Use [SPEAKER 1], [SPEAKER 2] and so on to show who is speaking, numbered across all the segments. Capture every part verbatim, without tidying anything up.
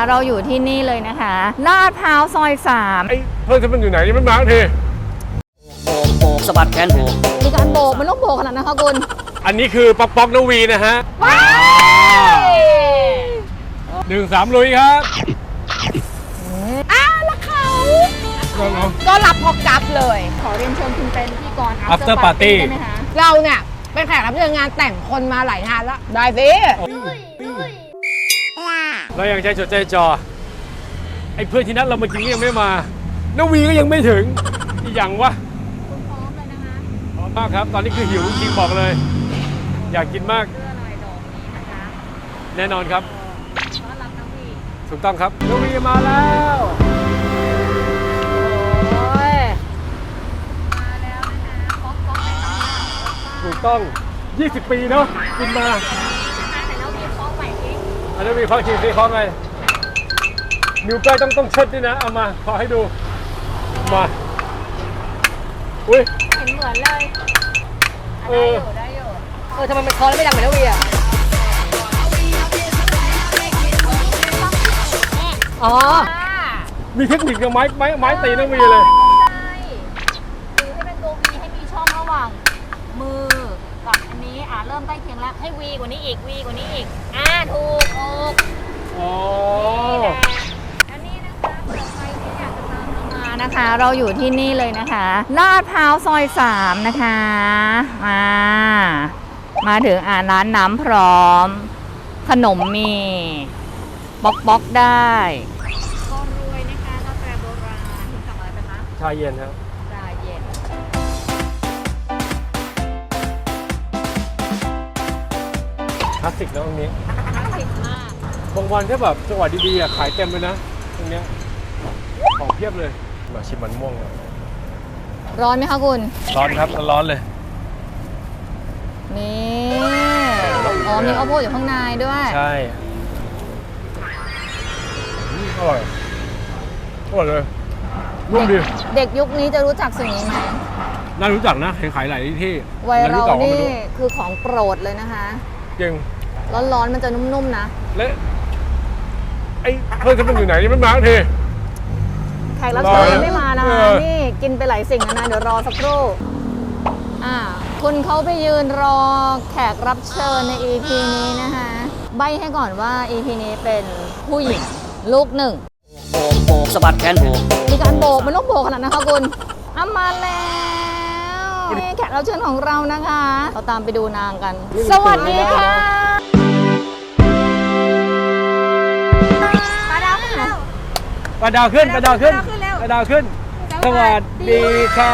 [SPEAKER 1] เราอยู่ที่นี่เลยนะคะลาดพร้าวซอยสาม
[SPEAKER 2] ไอ้เพื่อนฉันมันอยู่ไหนยังไม่มาที
[SPEAKER 3] โบกโบกสะบัดแขนโบก
[SPEAKER 1] มีการโบกมันต้องโบกขนาดนั้นคะคุณ
[SPEAKER 2] อันนี้คือป๊อกป๊อกนวีนะฮะหนึ่งสามลุยครับ
[SPEAKER 1] อ้าวแล้วเขาก็รับพอกับเลยขอเรียนเชิญคุณเป็นพิธีกร
[SPEAKER 2] after party
[SPEAKER 1] ได้ไหมคะ
[SPEAKER 4] เราเนี่ยเป็นแขกรับเชิญงานแต่งคนมาหลายงานแล้วได้สิ
[SPEAKER 2] เรายังใจจดใจจ่อไอ้เพื่อนที่นัดเรามากินยังไม่มานวีก็ยังไม่ถึงอีกอย่างวะ
[SPEAKER 1] คุณพร้อมเลยนะคะ
[SPEAKER 2] พร้อมมากครับตอนนี้คือหิวจริงบอกเลยอยากกินมาก
[SPEAKER 1] เพื่อหน่อยดอกนี้นะคะ
[SPEAKER 2] แน่นอนครับ
[SPEAKER 1] ต้อนรับน้องวี
[SPEAKER 2] ถูกต้องครับนวีมาแล้ว
[SPEAKER 1] โอ้ยมาแล้วนะคะป๊อกป๊อกในตำนาน
[SPEAKER 2] ถูกต้องยี่สิบปีเนาะกินมา
[SPEAKER 1] แต่แล้วมีป๊อกใหม่อีก
[SPEAKER 2] อันนี้มีข้อคิดสิข้อไงนิ้วก้อยต้องต้องเช็ดด้วยนะเอามาขอให้ดูมาอุ้ย
[SPEAKER 1] เห็นเหมือนเลย
[SPEAKER 2] เออ
[SPEAKER 1] ได้อยู่
[SPEAKER 4] เออทำไมมันคอแล้วไม่ดังเหมือนนวีอ่ะอ๋อ
[SPEAKER 2] มีเทคนิคกับไม้ไม้ไม้ตีนวีเลย
[SPEAKER 1] คือให้เป็นตัววีให้มีช่องระหว่างมือกับอันนี้อ่าเริ่มใกล้เคียงแล้วให้วีกว่านี้อีกวีกว่านี้อีกอ่าถูกถูก
[SPEAKER 2] อ๋อ
[SPEAKER 1] อันนี้นะคะเผื่อใครที่อยากจะตามเรามานะคะ เราอยู่ที่นี่เลยนะคะลาดพร้าวซอยสามนะคะมามาถึงอ่าร้านน้ำพร้อมขนมมีป๊อกป๊อกได้ก็รวยนะคะกาแฟโบราณคุณสั่งอะไรไปคะ
[SPEAKER 2] ชาเย็นครับ
[SPEAKER 1] ชาเย็น
[SPEAKER 2] คลาสสิกนะตรงนี้
[SPEAKER 1] คลาสสิกมาก
[SPEAKER 2] บางวันถ้าแบบจังหวะดีๆอ่ะขายเต็มเลยนะตรงเนี้ยของเพียบเลยมาชิมมันม่วงเลย
[SPEAKER 1] ร้อนไหมคะคุณ
[SPEAKER 2] ร้อนครับร้อนเลย
[SPEAKER 1] นี่อ๋อมีข้าวโพดอยู่ข้างในด้วย
[SPEAKER 2] ใช่อร่อยอร่อยเลยนุ่มดี
[SPEAKER 1] เด็กยุคนี้จะรู้จักสิ่งนี้ไหม
[SPEAKER 2] น่ารู้จักนะเห็นขายหลายที่
[SPEAKER 1] วัยเรานี่คือของโปรดเลยนะคะ
[SPEAKER 2] จริง
[SPEAKER 1] ร้อนๆมันจะนุ่มๆนะ
[SPEAKER 2] และไอ้เพื่อนฉันมันอยู่ไหนยังไม่มาที
[SPEAKER 1] แขกรับเชิญยังไม่มานะนี่กินไปหลายสิ่งนะเดี๋ยวรอสักครู่อ่าคุณเขาไปยืนรอแขกรับเชิญใน อี พี นี้นะคะใบให้ก่อนว่า อี พี นี้เป็นผู้หญิงลูกหนึ่ง
[SPEAKER 3] โบกโบกสะบัดแขนโบก
[SPEAKER 1] มีการโบกมันต้องโบกขนาดนั้นนะคะคุณเอามาแล้วนี่แขกรับเชิญของเรานะคะเราตามไปดูนางกันสวัสดีค่ะ
[SPEAKER 2] ปลาดาวขึ้นปลาดาวขึ้นปลาดาวขึ้นสวัสดีค่ะ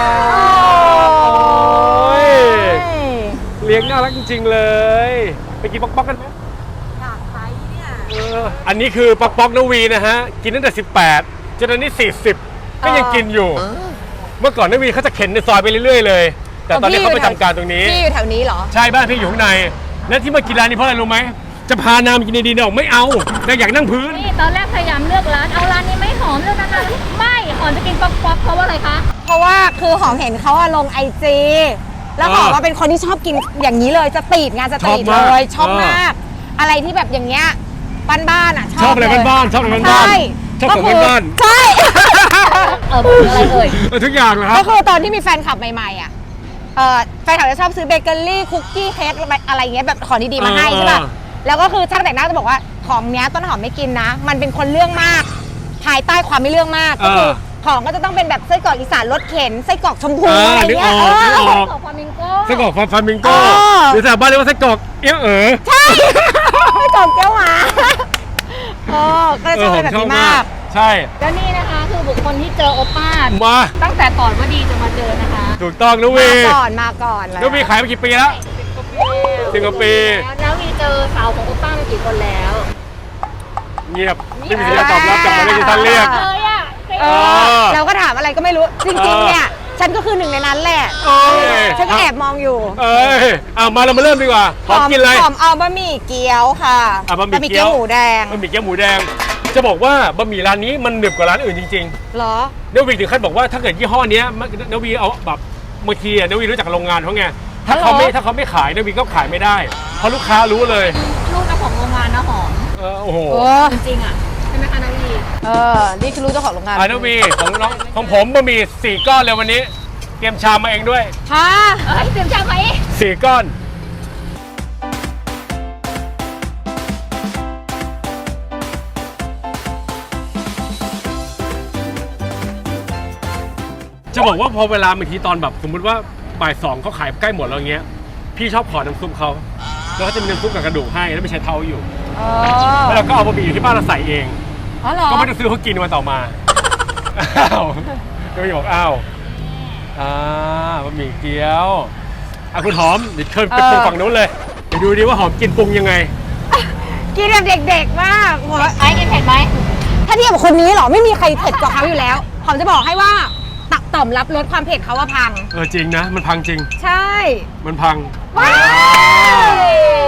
[SPEAKER 2] โอ้ยเลี้ยงน่ารักจริงๆเลยไปกินป๊อกป๊อกกันไหม
[SPEAKER 1] อยากไปเนี่ย
[SPEAKER 2] อันนี้คือป๊อกป๊อกนวีนะฮะกินตั้งแต่สิบแปดจนตอนนี้สี่สิบก็ยังกินอยู่เมื่อก่อนนวีเขาจะเข็นในซอยไปเรื่อยๆเลยแต่ตอนนี้เขาไปทำการตรงนี้
[SPEAKER 4] พี่อยู่แถวนี้เหรอ
[SPEAKER 2] ใช่บ้านพี่อยู่ข้างในและที่มากินร้านนี้เพราะอะไรรู้ไหมจะพานางกินดีๆเนี่ยไม่เอาแต่อยากนั่งพื้น
[SPEAKER 1] นี่ตอนแรกพยายามเลือกร้านเอาร้านนี้ไม่หอมเลือกร้านนั้นไม่หอมจะกินป๊อกป๊อกเพราะว่าอะไรคะ
[SPEAKER 4] เพราะว่าคือหอมเห็นเขาลงไอจีแล้วหอมว่าเป็นคนที่ชอบกินอย่างนี้เลยจะตีดงานจะตีดเลยชอบมากอะไรที่แบบอย่างเงี้ยบ้านๆอ่ะ
[SPEAKER 2] ชอบอะไรบ้านๆชอบอะไรบ้านๆชอบของบ้าน
[SPEAKER 4] ๆใช่
[SPEAKER 1] เอออะไรเอ่ย
[SPEAKER 2] ทุกอย่างเลยครับ
[SPEAKER 4] ก็คือตอนที่มีแฟนคลับใหม่ๆอ่ะเออแฟนคลับจะชอบซื้อเบเกอรี่คุกกี้เค้กอะไรเงี้ยแบบของดีๆมาให้ใช่ป่ะแล้วก็คือช่างแต่งหน้าจะบอกว่าของเนี้ยต้นหอมไม่กินนะมันเป็นคนเรื่องมากภายใต้ความไม่เรื่องมากก็คือของก็จะต้องเป็นแบบไส้กรอกอีสานรสเข็นไส้กรอกชมพูอะไรเงี้ยไส้
[SPEAKER 1] กรอกฟามิงโก้
[SPEAKER 2] ไส้กรอกฟามิงโก้หรือแถวบ้านเรียกว่าไส้กรอกเอี้ยเอ๋อ
[SPEAKER 4] ใช่ไส้กรอกเกี้ยวหมาโอ้ก็จะชอบแบบนี้มาก
[SPEAKER 2] ใช่
[SPEAKER 1] แล้วนี่นะคะคือบุคคลที่เจอโอป้า
[SPEAKER 2] มา
[SPEAKER 1] ตั้งแต่ก่อนว่าดีจะมาเจอนะคะ
[SPEAKER 2] ถูกต้องนุ้ย
[SPEAKER 4] มาก่อนมาก่อน
[SPEAKER 2] นุ้ยขายมากี่ปีแล้วสิบกว่าปี
[SPEAKER 1] แล้วมีเจอสาวของโอป้ามากี่คนแล้ว
[SPEAKER 2] เงียบไม่มีสัญญาณตอบรับจากไม่ได้ยินท่านเรียก
[SPEAKER 1] เลยอ่ะ
[SPEAKER 4] เราก็ถามอะไรก็ไม่รู้จริงๆเนี่ยฉันก็คือหนึ่งในนั้นแหละฉันก็แอบมองอยู่
[SPEAKER 2] เอ้ยเอามาเรามาเริ่มดีกว่าหอมกินอะไร
[SPEAKER 4] หอมเอาบะหมี่เกี๊ยวค่ะ
[SPEAKER 2] บะหมี่เกี๊ยว
[SPEAKER 4] หมูแดง
[SPEAKER 2] บะหมี่เกี๊ยวหมูแดงจะบอกว่าบะหมี่ร้านนี้มันหนึบกว่าร้านอื่นจริง
[SPEAKER 4] ๆเหรอ
[SPEAKER 2] เนวีถึงขั้นบอกว่าถ้าเกิดยี่ห้อนี้เนวีเอาแบบบางทีเนวีรู้จักโรงงานเขาไงถ้าเขาไม่ถ้าเขาไม่ขายเนวีก็ขายไม่ได้เพราะลูกค้ารู้เลย
[SPEAKER 1] ลูกเจ้าของโรงงานนะหอม
[SPEAKER 2] โอ้โห
[SPEAKER 1] จริงๆอ่ะใช่ไหมคะน
[SPEAKER 4] เออ นี่คือรู้เจ้าของโรงงาน
[SPEAKER 2] อ่าน้องวีของน้องของผมบะหมี่สี่ก้อนเลยวันนี้ เตรียมชามมาเองด้วย
[SPEAKER 4] ฮะ
[SPEAKER 1] เอ้ยเตรียมจานไหม
[SPEAKER 2] สี่ก้อน จะบอกว่าพอเวลาบางทีตอนแบบสมมุติว่าบ่ายสองเขาขายใกล้หมดแล้วเงี้ย พี่ชอบขอน้ำซุปเขาแล้วก็จะมีน้ำซุปกับกระดูกให้แล้วไม่ใช้เท้าอยู่
[SPEAKER 4] อ๋อ
[SPEAKER 2] แล้วเราก็เอาบะหมี่ที่บ้านเราใส่เอง
[SPEAKER 4] อ๋อเหรอ
[SPEAKER 2] ก็ไม่ต้องซื้อเขากินวันต่อมา อ้าวก็ไม่บอกอ้าวอ่าบะหมี่เกี๊ยวอ่ะคุณหอมเดี๋ยวเชิญไปปรุงฝั่งนู้นเลยเดี๋ยวดูดิว่าหอมกินปรุงยังไง
[SPEAKER 4] กินแบบเด็กๆมากหัว
[SPEAKER 1] ไอ้กินเผ็ดไหม
[SPEAKER 4] ถ้าเทียบกับคนนี้เหรอ ไม่มีใครเผ็ดกว่าเขาอยู่แล้วหอมจะบอกให้ว่าตักต่อมรับรสความเผ็ดเขาว่าพัง
[SPEAKER 2] เออจริงนะ มันพังจริง
[SPEAKER 4] ใช่
[SPEAKER 2] มันพัง
[SPEAKER 4] ว้าว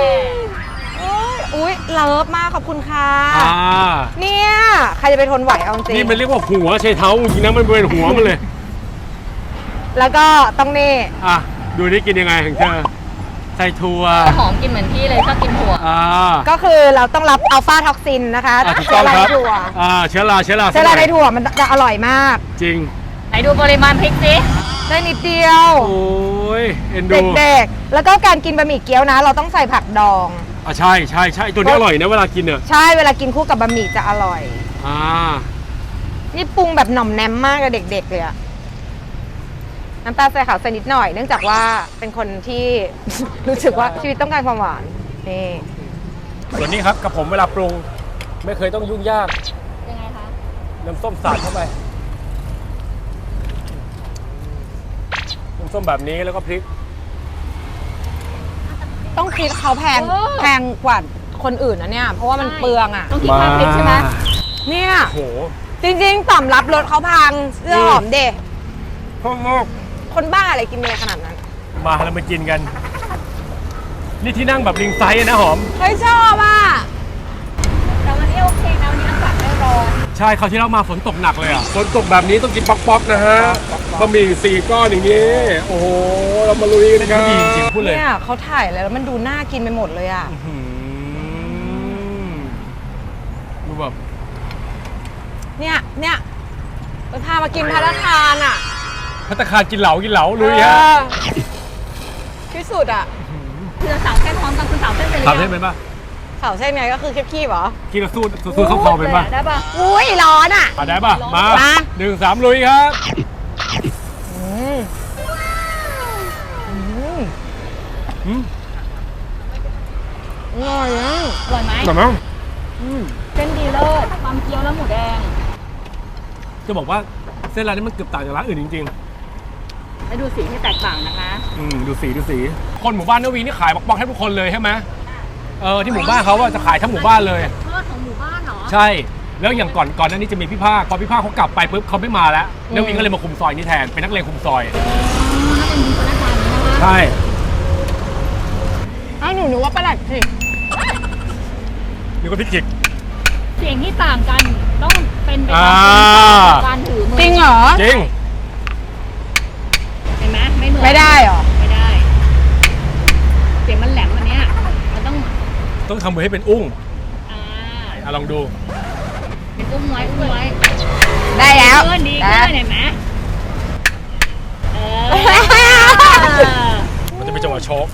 [SPEAKER 4] อุ้ยเลิฟมากขอบคุณค่ะ
[SPEAKER 2] อ่า
[SPEAKER 4] เนี่ยใครจะไปทนไหวเอาจริง
[SPEAKER 2] นี่มันเรียกว่าหัวใช้เท้าจริงๆนะมันเป็นหัวมันเลย
[SPEAKER 4] แล้วก็ต้องนี่
[SPEAKER 2] อ่ะดูนี่กินยังไงของเธอใส่ถั่ว
[SPEAKER 1] หอมกินเหมือนพี่เลยชอบกินถั่ว
[SPEAKER 2] อ่า
[SPEAKER 4] ก็คือเราต้องรับอัลฟาท็อกซินนะคะ
[SPEAKER 2] อ่ะถูกต้องครับ
[SPEAKER 4] เชื้อราในถั่ว
[SPEAKER 2] อ่าเชื้อราเชื้อรา
[SPEAKER 4] เชื้อราในถั่วมันจะอร่อยมาก
[SPEAKER 2] จริง
[SPEAKER 1] ไหนดูปริมาณพริกสิ
[SPEAKER 4] ได้นิดเดียว
[SPEAKER 2] โอ้ยเอ็นดู
[SPEAKER 4] เด็กๆ แล้วก็การกินบะหมี่เกี๊ยวนะ เราต้องใส่ผักดอง
[SPEAKER 2] อ่ะใช่ใช่ใช่ตัวนี้อร่อยนะเวลากินเนี่ย
[SPEAKER 4] ใช่เวลากินคู่กับบะหมี่จะอร่อย
[SPEAKER 2] อ่า
[SPEAKER 4] นี่ปรุงแบบหน่อมแนมมากกับเด็กๆเลยอะน้ำตาลใส่ขาวใส่นิดหน่อย เนื่องจากว่าเป็นคนที่ รู้สึกว่าชีวิตต้องการความหวานนี่
[SPEAKER 2] ส่วนนี้ครับกับผมเวลาปรุงไม่เคยต้องยุ่งยาก
[SPEAKER 1] ยังไงคะ
[SPEAKER 2] น้ำส้มสาดเข้าไปน้ำส้มแบบนี้แล้วก็พริก
[SPEAKER 4] ต้องคิดเขาแพงแพงกว่าคนอื่นนะเนี่ย เพราะว่ามันเปลืองอะ
[SPEAKER 1] ต้องกินข้าวพริกใช่ไหม
[SPEAKER 4] เนี่ย
[SPEAKER 2] โอ้โห
[SPEAKER 4] จริงๆต่อมรับรสเขาพังเสื้อหอมเด็
[SPEAKER 2] พ่อมก
[SPEAKER 4] คนบ้าอะไรกินอะไรขนาดนั้น
[SPEAKER 2] มาเรามากินกัน นี่ที่นั่งแบบลิงไซส์นะหอม
[SPEAKER 4] เฮ้ยชอบอ่ะ
[SPEAKER 1] แต่วันนี้โอเคนะวันนี้อากาศไม่ร้อน
[SPEAKER 2] ใช่คราวที่เรามาฝนตกหนักเลยอ่ะฝนตกแบบนี้ต้องกินป๊อกๆนะฮะบะหมี่สี่ก้อนอย่างนี้โอ้โหเรามาลุยกันครับจริงๆพูดเลย
[SPEAKER 4] เนี่ยเขาถ่ายแล้วมันดูน่ากินไปหมดเลยอ่ะ
[SPEAKER 2] อื้อหือดูแบบ
[SPEAKER 4] เนี่ยเนี่ยไปพามากินพาราทานอ่ะ
[SPEAKER 2] พัตตาคารกินเหลากินเหลาลุยฮะ
[SPEAKER 4] เออที่สุดอ่ะ
[SPEAKER 1] คือสาวแค่พร้อมกันคุณสาวเส้นไปเลย
[SPEAKER 2] ถามได้เป็นปะ
[SPEAKER 4] เข่าเส้นไงก็คือคีบๆเหรอ
[SPEAKER 2] กินแล้วสู้สู้เข้าคอเป็นปะ
[SPEAKER 1] ได้ปะ
[SPEAKER 4] อุ้ยร้อนอ่ะ
[SPEAKER 2] อ่ะได้ปะมา
[SPEAKER 4] มา
[SPEAKER 2] หนึ่งสามลุยครับ
[SPEAKER 4] อืมอืม
[SPEAKER 2] อืม
[SPEAKER 4] อร่อยอ่ะ
[SPEAKER 1] อร่อยไหม
[SPEAKER 2] หนักมั้ง
[SPEAKER 1] เส้นดีเลิศความเคี้ยวแล้วหมูแดง
[SPEAKER 2] จะบอกว่าเส้นร้านนี้มันเกือบต่างจากร้านอื่นจริง
[SPEAKER 1] แล้วดูสีที่แตกต่างนะคะ
[SPEAKER 2] ๆอืมดูสีดูสี คนหมู่บ้านนวีนี่ขายป๊อกๆให้ทุกคนเลยใช่ไหมเออที่หมู่บ้านเขาว่าจะขายทั้งหมู่บ้านเลย
[SPEAKER 1] ทอดของหมู่บ้านเหรอ
[SPEAKER 2] ใช่ แล้วอย่างก่อนก่อนหน้านี้จะมีพี่ภาคพอพี่ภาคเขากลับไปปุ๊บเขาไม่มาแล้วนวีก็เลยมาคุมซอยนี้แทนเป็นนักเลงคุมซอย
[SPEAKER 1] ถ้าเป็นคนหน้าตาอย่างนี้นะคะ
[SPEAKER 2] ใช่
[SPEAKER 4] อ้าวหนูนึกว่าประหลัดสิ
[SPEAKER 2] นี่ก็พี่กิก
[SPEAKER 1] เสียงที่ต่างกันต้องเป็นไป
[SPEAKER 2] อ่า
[SPEAKER 1] ตามการถือมือ
[SPEAKER 4] จริงเหรอ
[SPEAKER 2] จริง
[SPEAKER 1] เห็นไหมไม่เหมือน
[SPEAKER 4] ไม่ได้เหรอ
[SPEAKER 1] ไม่ได้ เสียงมันแหลมอันเนี้ยมันต้อง
[SPEAKER 2] ต้องทำมือให้เป็นอุ้ง
[SPEAKER 1] อ่า
[SPEAKER 2] อ่ะลองดู
[SPEAKER 1] เป็นอุ้มไว้อุ้มไว้
[SPEAKER 4] ได้แล้ว
[SPEAKER 1] เกินดี
[SPEAKER 4] ได้
[SPEAKER 1] เกินเห็นไหมเออ
[SPEAKER 2] มันจะเป็นจังหวะโชก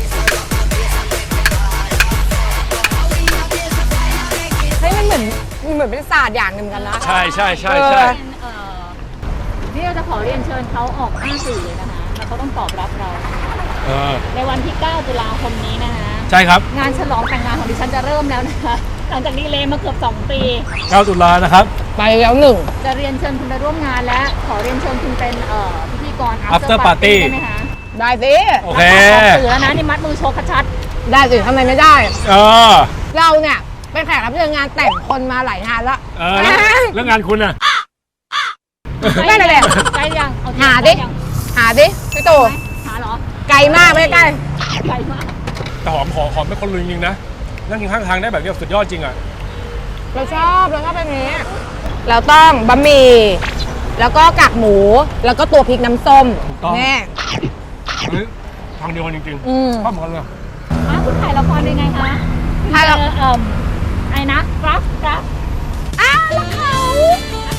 [SPEAKER 4] เฮ้ยมันเหมือนมันเหมือนเป็นศาสตร์อย่างหนึ่งเหมือนกันนะ
[SPEAKER 2] ใช่ใช่ใช่ใช่
[SPEAKER 4] เออ
[SPEAKER 1] เอ่อนี่เราจะขอเรียนเชิญเขาออกห้าสื่อเลยนะคะ แล้วเขาต้องตอบรับเรา
[SPEAKER 2] เออ
[SPEAKER 1] ในวันที่ เก้า ตุลาคมนี้นะคะ
[SPEAKER 2] ใช่ครับ
[SPEAKER 1] งานฉลองแต่งงานของดิฉันจะเริ่มแล้วนะคะ หลังจากดีเลย์มาเกือบสองปี
[SPEAKER 2] เก้าตุลานะครับ
[SPEAKER 4] ไปแล้วหนึ่ง
[SPEAKER 1] จะเรียนเชิญคุณไปร่วมงานและขอเรียนเชิญคุณเป็นเอ่อพิธีกร
[SPEAKER 2] After Party
[SPEAKER 1] ได้ไหมคะ
[SPEAKER 4] ได้สิ
[SPEAKER 2] โอเค
[SPEAKER 1] ออกสื่อแล้วนะนี่มัดมือโชว์ชัด
[SPEAKER 4] ได้สิทำไมไม่ได้
[SPEAKER 2] เออ
[SPEAKER 4] เราเนี่ยเป็นแขกรับเชิญงานแต่งคนมาหลายงานแล้ว
[SPEAKER 2] เออแล้วแล้วงานคุณน่ะ
[SPEAKER 1] ๆ
[SPEAKER 4] ไม่เลยแหละ
[SPEAKER 1] ใกล้ยังเอ
[SPEAKER 4] หาดิ
[SPEAKER 1] ใกล้ยัง
[SPEAKER 4] หาดิพี่ตู่
[SPEAKER 1] หาเหรอ
[SPEAKER 4] ไกลมากไม่ใกล้
[SPEAKER 1] ไกลมาก
[SPEAKER 2] แต่หอมขอหอมไม่คนลุยจริงๆนะ นั่งกินข้างทางได้แบบนี้สุดยอดจริงอ่ะ
[SPEAKER 4] เราชอบเราชอบแบบนี้ เราต้องบะหมี่แล้วก็กากหมูแล้วก็ตัวพริกน้ำส้ม
[SPEAKER 2] ถูกต้อง
[SPEAKER 4] แน่
[SPEAKER 2] อันนี้ทางเดียวกันจริง
[SPEAKER 4] อืม
[SPEAKER 2] ๆชอบเหมือนกันเลย
[SPEAKER 1] อ้าวคุณถ่ายละครเป็นไงคะ
[SPEAKER 4] ถ่ายละ
[SPEAKER 1] เจอเอ่อไอ้นะกราฟกราฟ
[SPEAKER 4] อ้าวแล้วเขา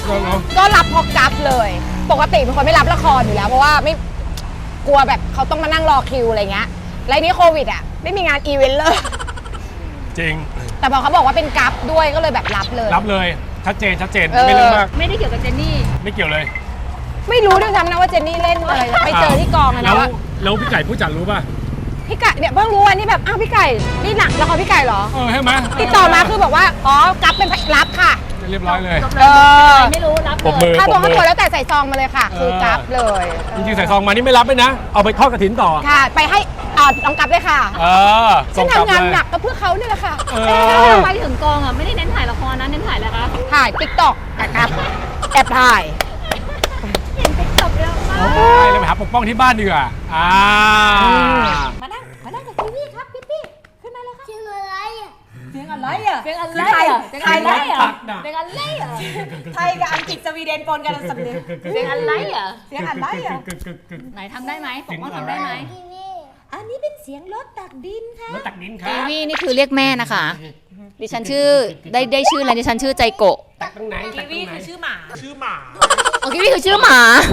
[SPEAKER 2] เหรอ
[SPEAKER 4] ก็รับพอกับเลย ปกติเป็นคนไม่รับละครอยู่แล้วเพราะว่าไม่กลัวแบบเขาต้องมานั่งรอคิวอะไรเงี้ยแล้วทีนี้โควิดอ่ะไม่มีงานอีเวนต์เลย
[SPEAKER 2] จริง
[SPEAKER 4] แต่พอเขาบอกว่าเป็นกับด้วยก็เลยแบบรับเลย
[SPEAKER 2] รับเลยชัดเจนชัดเจน
[SPEAKER 4] เออ
[SPEAKER 2] ไม่เรื่องมาก
[SPEAKER 1] ไม่ได้เกี่ยวกับเจนนี่
[SPEAKER 2] ไม่เกี่ยวเลย
[SPEAKER 4] ไม่รู้ด้วยซ้ำนะว่าเจนนี่เล่นอะไรไปเจอที่กองอะ
[SPEAKER 2] แล้
[SPEAKER 4] นะ
[SPEAKER 2] ว
[SPEAKER 4] ว่า
[SPEAKER 2] แล้วพี่ไก่ผู้จัดรู้ป่ะ
[SPEAKER 4] พี่ไก่เนี่ยเพิ่งรู้วันนี้แบบอ้าวพี่ไก่นี่หนักละครพี่ไก่เหรอ
[SPEAKER 2] เออใช่ไหม
[SPEAKER 4] ติดต่อมาคือบอกว่าอ๋อกับเป็นรับค่ะ
[SPEAKER 2] เรียบร้อยเลย
[SPEAKER 4] เออ
[SPEAKER 1] ไม่รู้รับ
[SPEAKER 2] ปรบ
[SPEAKER 1] เล
[SPEAKER 2] มื
[SPEAKER 1] ย
[SPEAKER 2] อ
[SPEAKER 4] ค่า
[SPEAKER 2] ป
[SPEAKER 4] ตั
[SPEAKER 2] ร
[SPEAKER 4] ว
[SPEAKER 2] บ
[SPEAKER 4] ค่า
[SPEAKER 2] มื
[SPEAKER 4] ตัว
[SPEAKER 2] อ
[SPEAKER 4] แล้วแต่ใส่ซองมาเลยค่ะ คือกับเลย
[SPEAKER 2] จริงๆใส่ซองมานี่ไม่รับเลยนะ เอาไปทอดกระถินต่อ
[SPEAKER 4] ค่ะ ไปให้อ่าน้องกับเลยค่ะ
[SPEAKER 2] เออ
[SPEAKER 4] ฉัน
[SPEAKER 2] กลับ
[SPEAKER 4] ทำงาน
[SPEAKER 2] เลย
[SPEAKER 4] หนักก็เพื่อเขาเนี่ยแหละค่ะ
[SPEAKER 2] เออ
[SPEAKER 1] ไปถึงกองอ่ะไม่ได้เน้นถ่ายละครนะเน้นถ่ายอะไรคะ
[SPEAKER 4] ถ่ายติ๊กต็อกนะครับแอบถ่าย
[SPEAKER 1] เห็นติ๊กต็อกเยอะมาก
[SPEAKER 2] โอ้ยเราไปหาปกป้องที่บ้านดีกว่าอ่า
[SPEAKER 4] มานั่งมานั่งกับทีวีครับพี่พี่ขึ้นมาเลยครับ
[SPEAKER 5] ชื่ออะไรอ่ะ
[SPEAKER 4] เสียงอะไรอ่ะ
[SPEAKER 1] เป็นอะไร
[SPEAKER 4] ไทย
[SPEAKER 1] อ่ะ
[SPEAKER 4] ไทย
[SPEAKER 1] เป็นอะไรอ่ะ
[SPEAKER 2] ตักน่ะ
[SPEAKER 1] เป็นอะไรอ่ะ
[SPEAKER 4] ไทยกับอังกฤษสวีเดนปนกันสำเนียง
[SPEAKER 1] เป็นอะไรอ่ะ
[SPEAKER 4] เสียงอะไรอ่ะ
[SPEAKER 1] ไหนทำได้ไหมปกป้องทำได้ไหม
[SPEAKER 5] ทีวี
[SPEAKER 4] อันนี้เป็นเสียงรถตักดินค่ะ
[SPEAKER 2] แล้วตักดินครั
[SPEAKER 1] กี
[SPEAKER 2] บ
[SPEAKER 1] วีนี่คือเรียกแม่นะคะ ดิฉันชื่อได้ได้ชื่ออะไรดิฉันชื่อใจโกะ
[SPEAKER 2] ตักตรงไหนตักตรงไหน
[SPEAKER 4] ชื่อหมา
[SPEAKER 2] ชื่อหมา
[SPEAKER 1] โอกีวีคือชื่อหมา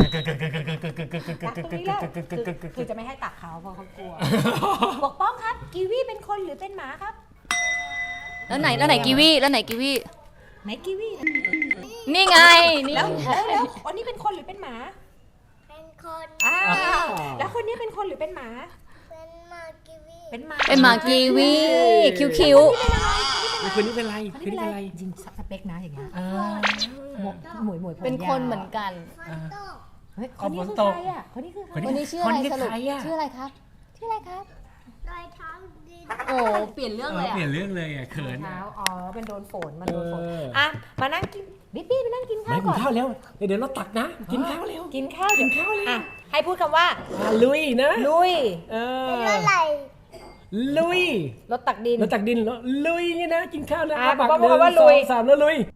[SPEAKER 4] คือจะไม่ให้ตักเขาเพราะเขากลัวปกป้องครับกีวีเป็นคนหรือเป็นหมาครับ
[SPEAKER 1] แล้วไหนแล้วไหนกีวีแล้วไหนกีวี
[SPEAKER 4] ไหนกีวี
[SPEAKER 1] นี่ไงนี่
[SPEAKER 4] แล้วแล้วแล้วคนนี้เป็นคนหรือเป็นหมา
[SPEAKER 5] เป็นคน
[SPEAKER 4] อ่าแล้วคนนี้เป็นคนหรือเป็นหมา
[SPEAKER 5] เป็นมากิวี
[SPEAKER 4] เป็นหมา
[SPEAKER 1] เป็นหมากีวีคิ้วคิ้ว
[SPEAKER 2] คืนนี้เป็นไรคืนนี้เป็นไร
[SPEAKER 4] จริงสเปคนะอย่างเงี้ยหมวกหมวยหมวยผม
[SPEAKER 1] เป็นคนเหมือนกัน
[SPEAKER 5] ฟันโต
[SPEAKER 4] เฮ้ยคนนี้คือใครอ่ะคนนี้คือใคร
[SPEAKER 1] คนนี้ชื่ออะไรสรุปชื่ออะไรครับ ชื่ออะไรครับ
[SPEAKER 5] รอยเท้าดิน
[SPEAKER 1] โอ้เปลี่ยนเรื่องเลย
[SPEAKER 2] เปลี่ย
[SPEAKER 1] อะ
[SPEAKER 2] นเรื่องเลยอ่ะเขิน
[SPEAKER 4] เท้าอ๋อเป็นโดนฝนมันโดนฝน
[SPEAKER 2] เออ
[SPEAKER 4] อ่ะมานั่งกินบิ๊บี้ไปนั่งกินข้า
[SPEAKER 2] ไม่
[SPEAKER 4] ว
[SPEAKER 2] กิ
[SPEAKER 4] ก่
[SPEAKER 2] น
[SPEAKER 4] อน
[SPEAKER 2] ข้าวแล้วเดี๋ยวเราตักนะ กินข้าวเร็ว
[SPEAKER 4] กินข้าวกินข้าวเลยอ่ะให้พูดคำว่า
[SPEAKER 2] อ่ะลุยนะ
[SPEAKER 4] ลุย
[SPEAKER 2] เออ
[SPEAKER 5] เป็นอะไร
[SPEAKER 2] ลุย
[SPEAKER 4] รถตักดิน
[SPEAKER 2] แล้วตักดินแล้วลุยนี่นะกินข้าวนะ
[SPEAKER 4] อ่ะ
[SPEAKER 2] ปาก
[SPEAKER 4] บอก
[SPEAKER 2] หนึ่ง
[SPEAKER 4] ว่า
[SPEAKER 2] ส
[SPEAKER 4] ลุ
[SPEAKER 2] อย งสามแล้วลุย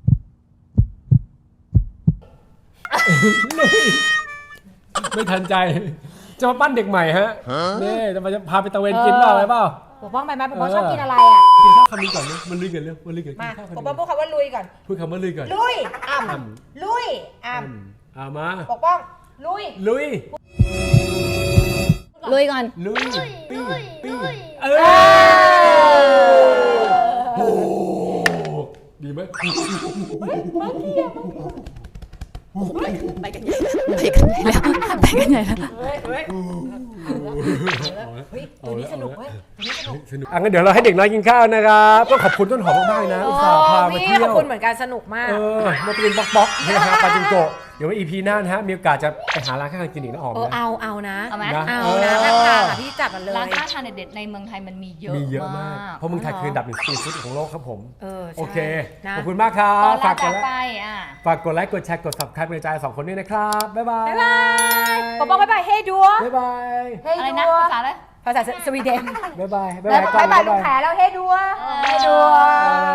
[SPEAKER 2] ลุยไม่ทันใจ จะมาปั้นเด็กใหม่ฮะนี่จะมาจะพาไปตะเวนกินเปล่าอะไรเปล่า
[SPEAKER 4] ปกป้องไปไหมปกป้อง
[SPEAKER 2] เออ
[SPEAKER 4] ชอบกินอะไรอ่ะ
[SPEAKER 2] กินข้าวคำนี้ก่อนเลยมันลุยกันเร็วมันลุยกันกิ
[SPEAKER 4] มาน
[SPEAKER 2] ข้าว
[SPEAKER 4] ป
[SPEAKER 2] คำ
[SPEAKER 4] ก
[SPEAKER 2] นี้
[SPEAKER 4] ป้องพูดคำว่าลุยก่อน
[SPEAKER 2] พูดคำว่าลุยก่อน
[SPEAKER 4] ลุยอ่ำ
[SPEAKER 2] อ่
[SPEAKER 4] ลุยอ่
[SPEAKER 2] อืมเอามา
[SPEAKER 4] ำปกป้องลุย
[SPEAKER 2] ลุย
[SPEAKER 1] ลุยก่อน
[SPEAKER 2] ลุย
[SPEAKER 5] ลุย
[SPEAKER 2] ปิ้ง
[SPEAKER 5] ลุย
[SPEAKER 2] ปิ้ง
[SPEAKER 5] ลุย
[SPEAKER 2] เออโอ้โหดีไหม
[SPEAKER 1] ไปกันใหญ่ไปกันใหญ่แล้วไปกันใหญ่แล้ว
[SPEAKER 4] เฮ้ยเฮ้ยเฮ้ยตัวนี้สนุกเว้ยตัวนี้สนุก
[SPEAKER 2] สนุกอ่ะงั้นเดี๋ยวเราให้เด็กน้อยกินข้าวนะครับต้องขอบคุณต้นหอมมากๆนะอุตส่าห์พามา
[SPEAKER 4] พี่
[SPEAKER 2] เที่ยว
[SPEAKER 4] ขอบคุณเหมือนกันสนุกมาก
[SPEAKER 2] เออมาเป็นบล็อกๆนะฮะปาจิงโกะเดี๋ยวว่าอีพีหน้านะฮะมีโอกาสจะไปหาร้านข้าวกินอีกนะหอม
[SPEAKER 4] เออ
[SPEAKER 2] นะ
[SPEAKER 4] เอาเอานะ
[SPEAKER 1] เอาไหม
[SPEAKER 2] นะ
[SPEAKER 4] เอานะ
[SPEAKER 2] เออ
[SPEAKER 4] ข้างทางอ่ะพี่จัดมาเลย
[SPEAKER 1] ร้านค้าทานเด็ดๆในเมืองไทยมันมีเยอะ
[SPEAKER 2] มีเยอะมาก เพราะเมืองไทยคืออันดับหนึ่งสตรีทฟู้ดของโลกครับผม
[SPEAKER 4] เออใช่
[SPEAKER 2] โอเค
[SPEAKER 4] นะ
[SPEAKER 2] ขอบคุณมากครั
[SPEAKER 1] ต
[SPEAKER 2] บ
[SPEAKER 1] อนลา
[SPEAKER 2] ฝากก
[SPEAKER 1] จา
[SPEAKER 2] ด
[SPEAKER 1] ก
[SPEAKER 2] ไล
[SPEAKER 1] ไป
[SPEAKER 2] ค์
[SPEAKER 1] อ่ะ
[SPEAKER 2] ฝากกดไลค์กดแชร์กด subscribe เป็นกำลังใจให้สองคนด้วยนะครับ บ๊ายบาย
[SPEAKER 4] บ๊ายบายปกป้องบ๊ายบายเฮ้ดัว
[SPEAKER 2] บ๊ายบาย
[SPEAKER 4] เฮ้
[SPEAKER 1] อะไร
[SPEAKER 4] ดั
[SPEAKER 1] นะ
[SPEAKER 4] ว
[SPEAKER 1] ภาษาอะไร
[SPEAKER 4] ภาษาสวีเดน
[SPEAKER 2] บ๊ายบาย
[SPEAKER 4] บ๊ายบายลุงแผลแล้วเฮ้ดัวเฮ้ดัว